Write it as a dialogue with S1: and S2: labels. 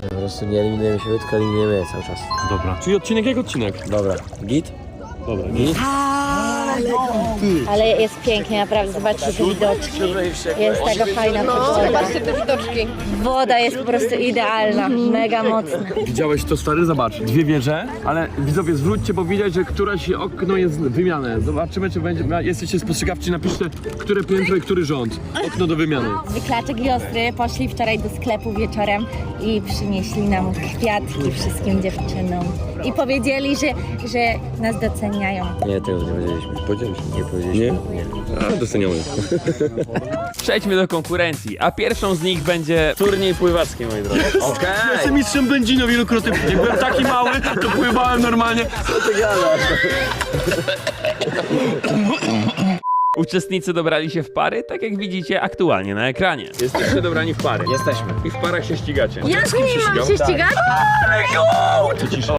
S1: Po prostu nie eliminujemy siebie, tylko eliminujemy je cały czas.
S2: Dobra. Czyli odcinek jak odcinek.
S1: Dobra, git?
S2: Dobra, git.
S3: Ale jest pięknie, naprawdę. Zobaczcie te widoczki. Jest taka fajna pogoda.
S4: Zobaczcie te widoczki.
S3: Woda jest po prostu idealna, mega mocna.
S2: Widziałeś to, stary? Zobacz. Dwie wieże, ale widzowie, zwróćcie, bo widać, że któraś okno jest wymiane. Zobaczymy, czy będzie. Jesteście spostrzegawczy, napiszcie, które piętro i który rząd. Okno do wymiany.
S3: Wyklaczek i Ostry poszli wczoraj do sklepu wieczorem i przynieśli nam kwiatki wszystkim dziewczynom. I powiedzieli, że nas doceniają.
S1: Nie, tego nie powiedzieliśmy. Powiedzieliśmy, nie powiedzieliśmy. Nie?
S2: A, doceniamy.
S5: Przejdźmy do konkurencji, a pierwszą z nich będzie turniej pływacki, moi drodzy.
S1: Okej!
S2: Jestem mistrzem Będzino wielokrotnie. Jak byłem taki mały, to pływałem normalnie.
S5: Uczestnicy dobrali się w pary, tak jak widzicie aktualnie na ekranie. Jesteście dobrani w pary.
S1: Jesteśmy.
S5: I w parach się ścigacie.
S4: Ja z nimi mam się ścigać?
S2: Ty cisza.